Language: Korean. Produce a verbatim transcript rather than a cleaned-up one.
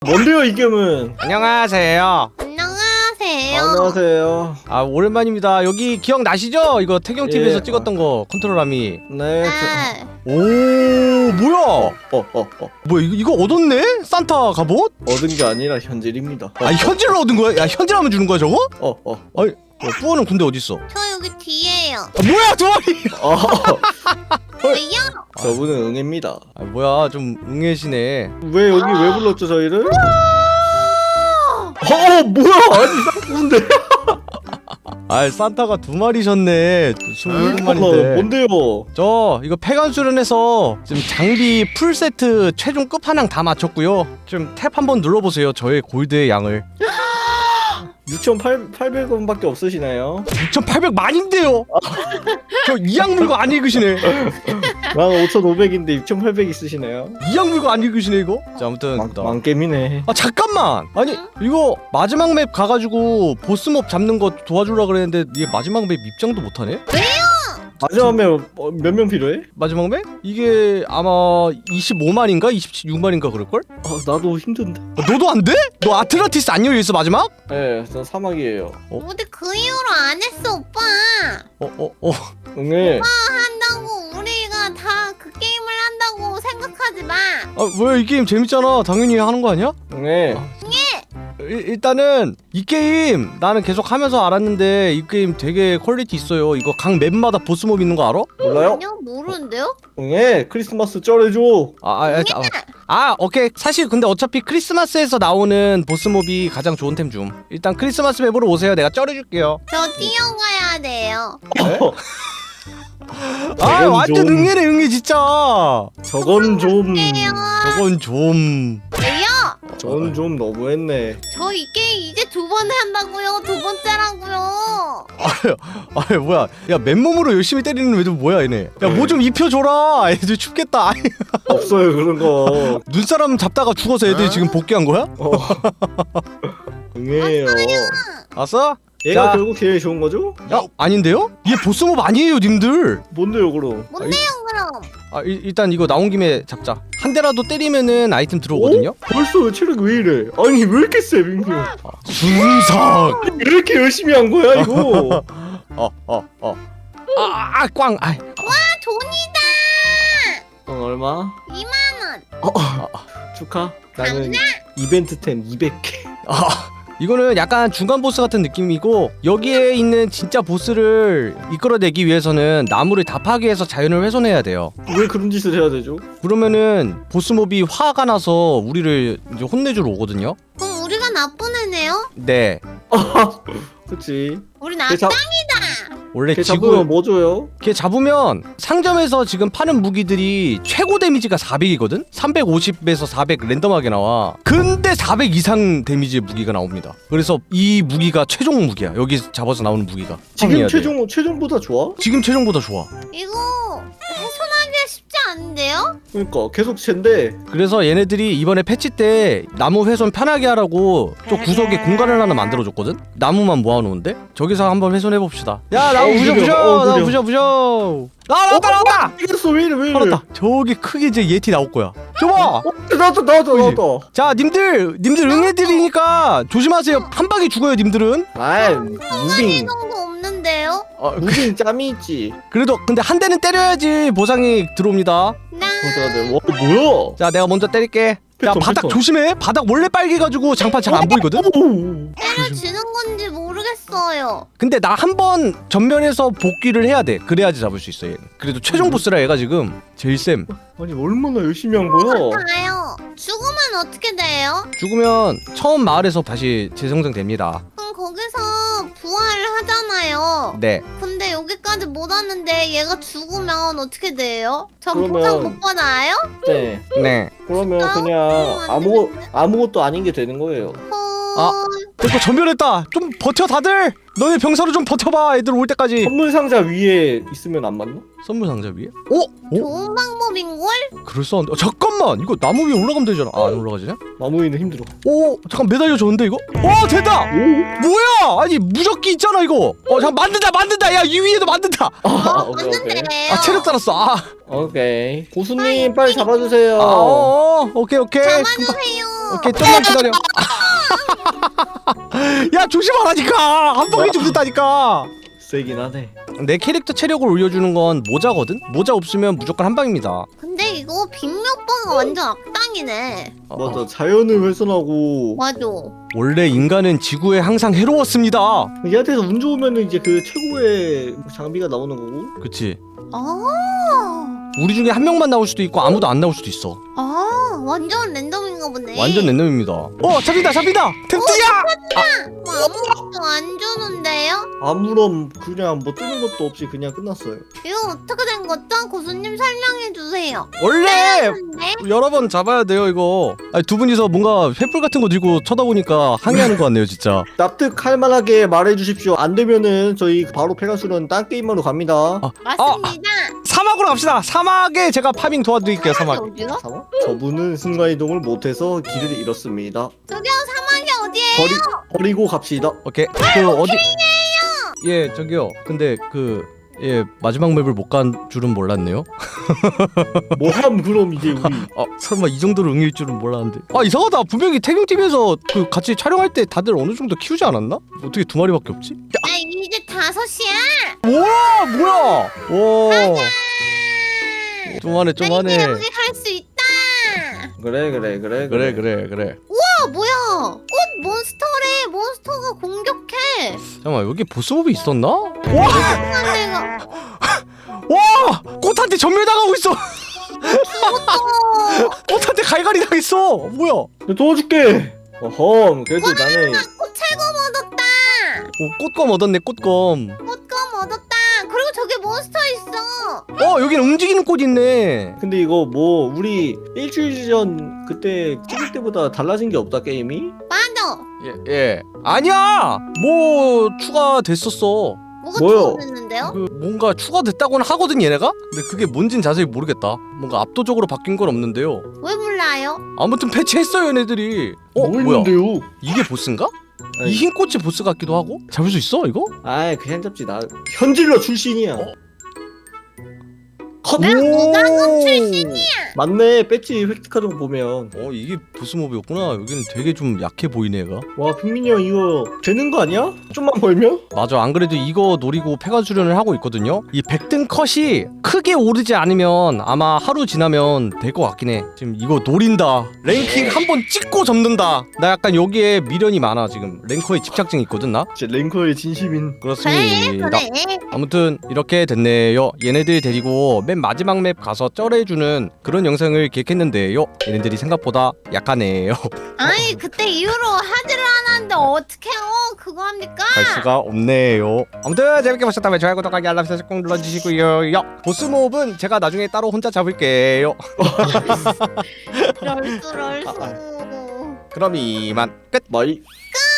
뭔데요 이 gem은? 안녕하세요. 안녕하세요. 안녕하세요. 아 오랜만입니다. 여기 기억나시죠? 이거 태경 티비에서 예. 찍었던 거 컨트롤함이. 네. 네. 오 뭐야? 어, 어, 어, 어. 뭐야 이거 이거 얻었네? 산타 갑옷? 얻은 게 아니라 현질입니다. 아 현질로 얻은 거야? 야 현질하면 주는 거야 저거? 어, 어. 아니 뿌어는 군대 어디 있어? 저 여기 뒤에요. 아, 뭐야 두 마리? 어. 왜요? 저분은 응애입니다. 아 뭐야 좀 응애시네. 왜 여기 왜 불렀죠 저희를? 어, 뭐야? 아니 쌍꾼데. 아 산타가 두 마리셨네. 스물일곱 어, 마리인데. 뭔데요? 저 이거 폐관 수련해서 지금 장비 풀 세트 최종 끝판왕 다 맞췄고요. 좀 탭 한번 눌러보세요. 저의 골드의 양을. 육천팔백 원밖에 없으시나요? 육천팔백 만인데요. 저 이양 물고 안 읽으시네. 난 오천오백인데 육천팔백 있으시나요? 이양 물고 안 읽으시네 이거. 자 아무튼 망, 나- 망겜이네. 아 잠깐만. 아니 이거 마지막 맵 가가지고 보스몹 잡는 거 도와주려 그랬는데 얘 마지막 맵 입장도 못하네? 마지막에 몇 명 필요해? 마지막 맵? 이게 아마 이십오만인가 이십육만인가 그럴걸? 아, 나도 힘든데. 아, 너도 안 돼? 너 아틀란티스 안 열려있어 마지막? 네, 전 사막이에요. 어? 근데 그 이후로 안 했어 오빠. 어 어 어. 응애. 한다고 우리가 다 그 게임을 한다고 생각하지 마. 아 왜 이 게임 재밌잖아. 당연히 하는 거 아니야? 응애. 일, 일단은 이 게임 나는 계속 하면서 알았는데 이 게임 되게 퀄리티 있어요. 이거 각 맵마다 보스몹 있는 거 알아? 몰라요? 아니요 모르는데요? 응애. 크리스마스 쩔어줘. 아, 아, 아, 아, 아 오케이. 사실 근데 어차피 크리스마스에서 나오는 보스몹이 가장 좋은 템 줌. 일단 크리스마스 맵으로 오세요. 내가 쩔어줄게요. 저 뛰어가야 돼요. 아 저건 완전 좀- 응애네 응애 진짜. 저건 좀 해요. 저건 좀. 왜요? 저건 좀 너무했네. 저 이 게임 이제 두 번 한다고요. 두 번째라고요. 아 뭐야? 야 맨몸으로 열심히 때리는 애들 뭐야 얘네? 야 뭐 좀 입혀줘라. 애들 춥겠다. 아이, 없어요 그런 거. 눈사람 잡다가 죽어서 애들이 지금 복귀한 거야? 어. 응애예요. 알았어? 얘가 자. 결국 제일 좋은 거죠? 야 아닌데요? 얘 보스몹 아니에요 님들. 뭔데요 그럼? 뭔데요 그럼? 아 일, 일단 이거 나온 김에 잡자. 한 대라도 때리면은 아이템 들어오거든요. 어? 벌써 왜 체력이 왜 이래? 아니 왜 이렇게 세 민규? 순삭. 왜 이렇게 열심히 한 거야 이거? 어어 어. 아아 꽝. 아. 와 돈이다. 돈 얼마? 이만 원. 어, 축하. 나는 이벤트템 이백 개. 아. 이거는 약간 중간 보스 같은 느낌이고 여기에 있는 진짜 보스를 이끌어내기 위해서는 나무를 다 파괴해서 자연을 훼손해야 돼요. 왜 그런 짓을 해야 되죠? 그러면은 보스몹이 화가 나서 우리를 이제 혼내주러 오거든요. 그럼 우리가 나쁜 애네요? 네. 그치. 우리 걔 잡, 나짱이다. 원래 걔 지구 잡으면 뭐 줘요? 걔 잡으면 상점에서 지금 파는 무기들이 최고 데미지가 사백이거든? 삼백오십에서 사백 랜덤하게 나와. 근데 사백 이상 데미지의 무기가 나옵니다. 그래서 이 무기가 최종 무기야. 여기 잡아서 나오는 무기가. 지금 해야 돼. 최종 최종보다 좋아? 지금 최종보다 좋아. 이거 훼손하기가 쉽지 않은데요? 그러니까 계속 쟨데. 그래서 얘네들이 이번에 패치 때 나무 훼손 편하게 하라고 저 구석에 공간을 하나 만들어줬거든? 나무만 모아놓은데? 저기서 한번 훼손해봅시다. 야 나무 어, 부셔 느려. 부셔! 어, 나무 느려. 부셔 부셔! 아 나왔다 나왔다! 이겼어 왜 이래 왜 이래? 나왔다. 저기 크게 이제 예티 나올 거야. 저봐! 어? 나왔다 나왔다 보이지? 나왔다. 자 님들 님들 응애들이니까 조심하세요. 한 방에 죽어요 님들은. 아이 이 무빙 정도 없는데요? 어, 무빙 짬이 있지. 그래도 근데 한 대는 때려야지 보상이 들어옵니다. 나 보자 돼. 와 뭐야? 자 내가 먼저 때릴게. 야 패턴, 바닥 패턴. 조심해. 바닥 원래 빨개가지고 장판 잘 안 보이거든. 오. 때려주는 건지 모르겠어요. 근데 나 한 번 전면에서 복귀를 해야 돼. 그래야지 잡을 수 있어 얘는. 그래도 최종 보스라 얘가 지금 제일 쌤. 아니 얼마나 열심히 한 거야? 봐요. 죽으면 어떻게 돼요? 죽으면 처음 마을에서 다시 재생성됩니다. 그럼 거기서 부활을 하잖아요. 네. 근데 여기까지 못 왔는데 얘가 죽으면 어떻게 돼요? 전 그러면- 보상 못 받아요? 네. 네. 그러면 아, 그냥 안 아무 되는데. 아무것도 아닌 게 되는 거예요. 헐. 아. 이거 전멸했다. 좀 버텨 다들. 너네 병사로 좀 버텨봐. 애들 올 때까지. 선물 상자 위에 있으면 안 맞나? 선물 상자 위에? 오? 오? 좋은 방법인걸? 그럴싸한데. 어, 잠깐만. 이거 나무 위에 올라가면 되잖아. 아, 안 올라가지냐? 마무리는 힘들어. 오, 잠깐 매달려 줬는데 이거? 오, 됐다. 오. 뭐야? 아니 무적기 있잖아 이거. 어, 잠깐 만든다, 만든다. 야, 이 위에도 만든다. 아, 어, 오케이, 오케이. 맞는데요. 아, 체력 달았어. 아, 오케이. 고수님 빨리 잡아주세요. 아, 어, 어, 오케이, 오케이. 금방- 잡아주세요. 오케이 좀만 기다려. 야 조심하라니까 한 방에 죽는다니까. 세긴 하네. 내 캐릭터 체력을 올려주는 건 모자거든. 모자 없으면 무조건 한 방입니다. 근데 이거 빅몇번가 완전 악당이네. 어, 맞아, 자연을 훼손하고 맞아. 원래 인간은 지구에 항상 해로웠습니다. 얘한테서 운 좋으면은 이제 그 최고의 장비가 나오는 거고. 그치? 아, 우리 중에 한 명만 나올 수도 있고 아무도 안 나올 수도 있어. 아, 완전 랜덤인가 보네. 완전 랜덤입니다. 어 잡힌다 잡힌다. 템트야. 뭐 아무것도 안 주는데요? 아무런 그냥 뭐 뜨는 것도 없이 그냥 끝났어요. 이거 어떻게 된 거죠? 고수님 설명해 주세요. 원래 네? 여러 번 잡아야 돼요 이거. 아니, 두 분이서 뭔가 횃불 같은 거 들고 쳐다보니까 항의하는 것 같네요 진짜. 납득할 만하게 말해 주십시오. 안 되면은 저희 바로 페가수는 딴 게임으로 갑니다. 아, 맞습니다. 사막으로 갑시다. 사막에 제가 파밍 도와드릴게요. 사막. 어디요? 사막? 저분은 순간이동을 못해서 길을 잃었습니다. 저기요, 사막이 어디에요? 버리, 버리고 갑시다. 오케이. 그 어디? 예 저기요. 근데 그 예 마지막 맵을 못 간 줄은 몰랐네요. 뭐함 그럼 이제 우리. 아 설마 이 정도로 응일 줄은 몰랐는데. 아 이상하다. 분명히 태경팀에서 그 같이 촬영할 때 다들 어느 정도 키우지 않았나? 어떻게 두 마리밖에 없지? 아, 이제 다섯 시야. 와 뭐야? 와. 좀하네 나 좀하네. 이제 여기 갈 수 있다. 그래 그래 그래 그래 그래 그래. 아, 뭐야? 꽃 몬스터래. 몬스터가 공격해. 잠깐만 여기 보스몹이 있었나? 와! 아, 내가 와! 꽃한테 전멸당하고 있어. 죽었어. 꽃한테 갈갈이 당했어. 뭐야? 내가 도와줄게. 어허 그래도 나는 꽃 철검 얻었다. 오, 꽃검 얻었네 꽃검. 꽃검 얻었다. 그리고 저기 몬스터 있어. 어 여긴 움직이는 꽃 있네. 근데 이거 뭐 우리 일주일 전 그때 찍을 때보다 달라진 게 없다 게임이? 맞아. 예, 예. 아니야. 뭐 추가됐었어. 뭐가 뭐요? 추가됐는데요? 그 뭔가 추가됐다고는 하거든 얘네가. 근데 그게 뭔진 자세히 모르겠다. 뭔가 압도적으로 바뀐 건 없는데요. 왜 몰라요? 아무튼 패치했어요 얘네들이. 어 뭐 뭐야? 했는데요? 이게 보스인가? 아이. 이 흰 꽃이 보스 같기도 하고. 잡을 수 있어 이거? 아이 그냥 잡지 나 현질러 출신이야. 어? 컷. 나 무당급 출신이야. 맞네 배지 획득하는 거 보면. 어 이게 보스몹이었구나. 여기는 되게 좀 약해 보이네 얘가. 와 핑민이 형 이거 되는 거 아니야? 좀만 벌면? 맞아. 안 그래도 이거 노리고 폐가 수련을 하고 있거든요. 이 백등 컷이 크게 오르지 않으면 아마 하루 지나면 될 것 같긴 해. 지금 이거 노린다. 랭킹 한 번 찍고 접는다. 나 약간 여기에 미련이 많아 지금. 랭커에 집착증이 있거든 나. 제 랭커의 진심인. 그래 그렇습니다. 그래. 아무튼 이렇게 됐네요. 얘네들 데리고 맨 마지막 맵 가서 쩔해주는 그런 영상을 기획했는데요. 얘네들이 생각보다 약하네요. 아니 그때 이후로 하지를 않았는데 어떡해요? 그거 합니까? 갈 수가 없네요. 아무튼 재밌게 보셨다면 좋아요, 구독하기, 알람 설정 꼭 눌러주시고요. 보스몹은 제가 나중에 따로 혼자 잡을게요. 럴수 럴수. 그럼 이만 끝. 마이. 끝.